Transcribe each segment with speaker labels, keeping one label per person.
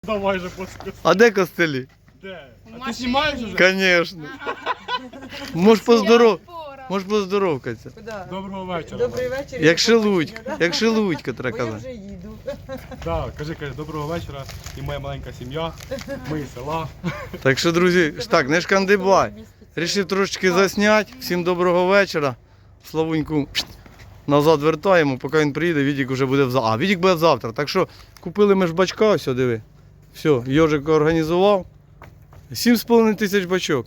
Speaker 1: Давай же после.
Speaker 2: А де костелі?
Speaker 1: Де? А ти знімаєш уже?
Speaker 2: Конечно. Можеш поздоровкатися.
Speaker 1: Доброго вечора.
Speaker 3: Добрий вечір.
Speaker 2: Як шелудько, як шелудько, треба
Speaker 3: Бо я
Speaker 2: казати.
Speaker 3: вже їду.
Speaker 1: Так, кажи, доброго вечора. І моя маленька сім'я. Ми із села.
Speaker 2: Так що, друзі, так, не шкандибай. Рішив трошечки засняти. Всім доброго вечора. Славуньку назад вертаємо, поки він приїде, Вітік вже буде завтра. А, Вітік буде завтра. Так що купили ми ж бачка, все, диви. Все, Йожик організував. 7,5 тисяч бачок.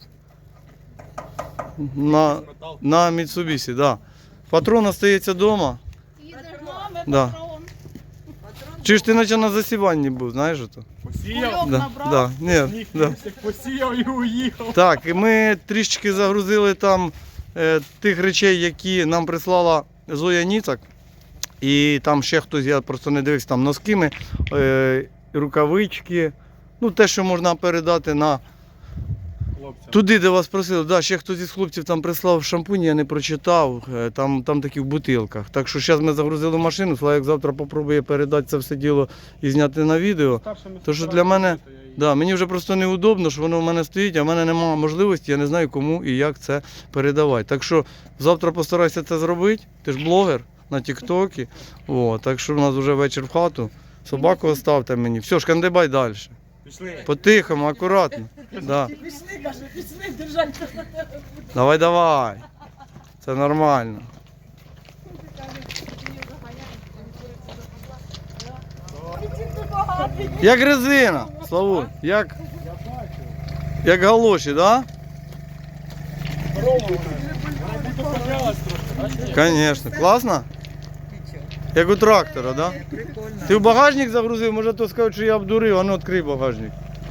Speaker 2: На Mitsubishi, так. Да. Патрон остається вдома. Да. Чи ж ти наче на засіванні був, знаєш ото?
Speaker 1: Посіяв?
Speaker 2: Да. Ні,
Speaker 1: Сніг
Speaker 2: да.
Speaker 1: посіяв і уїхав.
Speaker 2: Так, і ми трішечки загрузили там тих речей, які нам прислала Зоя Ніцак. І там ще хтось, я просто не дивився, там носки, рукавички. Ну, те, що можна передати на
Speaker 1: Хлопцям.
Speaker 2: туди, де вас просили. Да, ще хтось із хлопців там прислав шампунь, я не прочитав. Там такі в бутилках. Так що зараз ми загрузили машину, Славік завтра попробує передати це все діло і зняти на відео. То що для мене, да, мені вже просто неудобно, що воно в мене стоїть, а в мене немає можливості, я не знаю кому і як це передавати. Так що завтра постарайся це зробити, ти ж блогер на тіктокі. Так що у нас вже вечір в хату. Собаку оставте мені. Все, шкандибай далі.
Speaker 1: Пішли.
Speaker 2: По-тихому, акуратно. Да.
Speaker 3: Пішли, каже, пішли, держать.
Speaker 2: Давай. Це нормально. Як резина, Славу, як галоші, да?
Speaker 1: Здорово вона. Вона будто піднялась трошки.
Speaker 2: Звісно. Класно? Як у трактора, да?
Speaker 3: Прикольно.
Speaker 2: Ти в багажник загрузив, може то скажуть, що я обдурив, а ну відкрий багажник.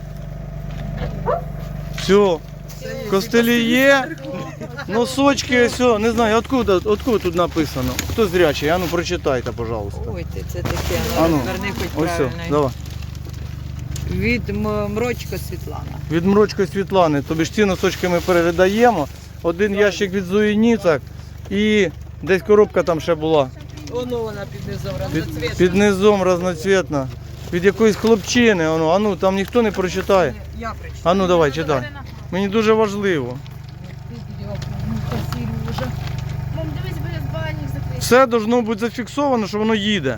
Speaker 2: Все. Костелі є, носочки, все, не знаю, откуда тут написано. Хто зрячий, а ну прочитайте, пожалуйста.
Speaker 3: Ой, це таке,
Speaker 2: А ну,
Speaker 3: верни хоч
Speaker 2: ось все,
Speaker 3: правильно.
Speaker 2: давай.
Speaker 3: Від Мрочко Світлана.
Speaker 2: Від Мрочко Світлани, тобі ж ці носочки ми передаємо. Один ящик від Зої Ніцак і десь коробка там ще була.
Speaker 3: Воно вона під низом разноцвітна.
Speaker 2: Під низом разноцвітна. Від якоїсь хлопчини, а ну там ніхто не прочитає.
Speaker 3: Я прийшла.
Speaker 2: А ну давай, читай. Мені дуже важливо.
Speaker 4: Мам, дивись, буде збагальник закритий.
Speaker 2: Все должно бути зафіксовано, що воно їде.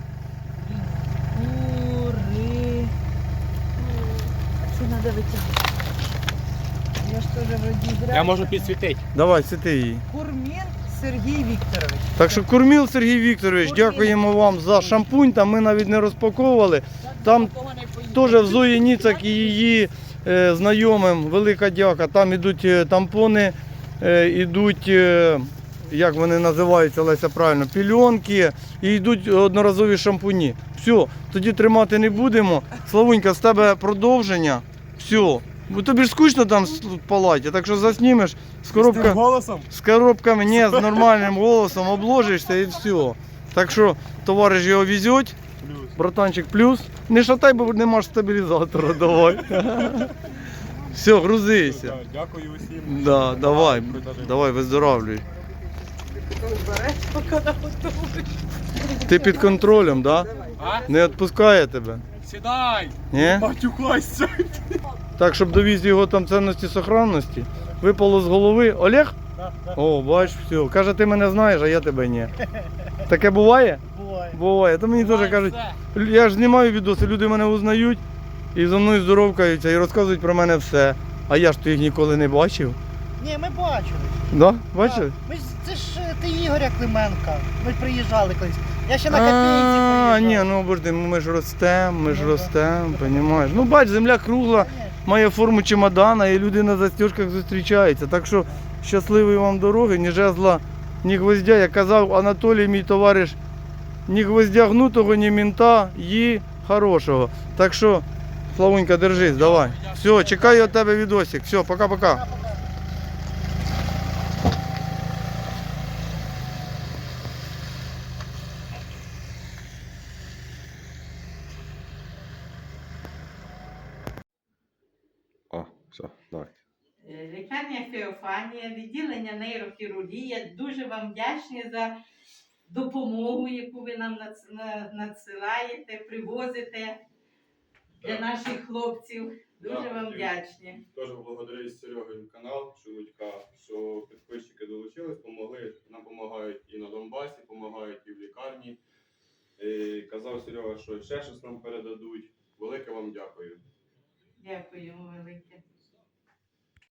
Speaker 3: Кури. Це треба витягнути. Я ж теж вроді зря.
Speaker 1: Я можу підсвітити.
Speaker 2: Давай, сіти її.
Speaker 3: Курмін Сергій Вікторович.
Speaker 2: Так що Курміл Сергій Вікторович, дякуємо вам за шампунь, там ми навіть не розпаковували. Там теж в Зої Ніцак і її знайомим велика дяка. Там ідуть тампони, ідуть, як вони називаються, Леся правильно, пільонки і йдуть одноразові шампуні. Все, тоді тримати не будемо. Славунька, з тебе продовження. Все. Бо тобі ж скучно там в палаті, так що заснімеш з
Speaker 1: Голосом?
Speaker 2: з коробками, ні, з нормальним голосом обложишся і все. Так що товариш його везеть,
Speaker 1: Плюс.
Speaker 2: братанчик плюс. Не шатай, бо нема ж стабілізатора, давай. Все, грузися.
Speaker 1: Дякую усім.
Speaker 2: Да, давай, давай, виздоравлюй.
Speaker 3: Береш, поки наготовиш.
Speaker 2: Ти під контролем, да?
Speaker 1: А?
Speaker 2: Не відпускає тебе?
Speaker 1: Сідай!
Speaker 2: Ні?
Speaker 1: Матюкайся!
Speaker 2: Так, щоб довіз його там цінності сохранності. Випало з голови. Олег? О, бач, все. Каже, ти мене знаєш, а я тебе ні. Таке буває?
Speaker 1: Буває.
Speaker 2: Буває. То мені теж кажуть, я ж знімаю відоси, люди мене узнають і за мною здоровкаються і розказують про мене все. А я ж то їх ніколи не бачив.
Speaker 5: Ні, ми бачили.
Speaker 2: Да? Бачили?
Speaker 5: Ми ж, це ж ти Ігоря Клименка. Ми ж приїжджали колись. Я ще на копійці
Speaker 2: А,
Speaker 5: приїжджав.
Speaker 2: ні, ну обожди, ми ж ростемо, розумієш. Ну бач, земля кругла, має форму чемодана і люди на застіжках зустрічаються. Так що щасливої вам дороги, ні жезла, ні гвоздя. Як казав Анатолій, мій товариш, ні гвоздя гнутого, ні мінта, її хорошого. Так що, Славунька, держись, давай. Все, чекаю від тебе відосик. Все, пока-пока. О, все, давай.
Speaker 6: Лікарня Феофанія, відділення нейрохірургія. Дуже вам вдячні за допомогу, яку ви нам надсилаєте, привозите. для наших хлопців. Дуже
Speaker 1: Да,
Speaker 6: вам
Speaker 1: хотів.
Speaker 6: вдячні.
Speaker 1: Теж благодарю Серегин канал Шелудька, що підписчики долучились, помогли. Нам допомагають і на Донбасі, допомагають і в лікарні. Казав Серега, що ще щось нам передадуть. Велике вам дякую.
Speaker 6: Дякуємо велике.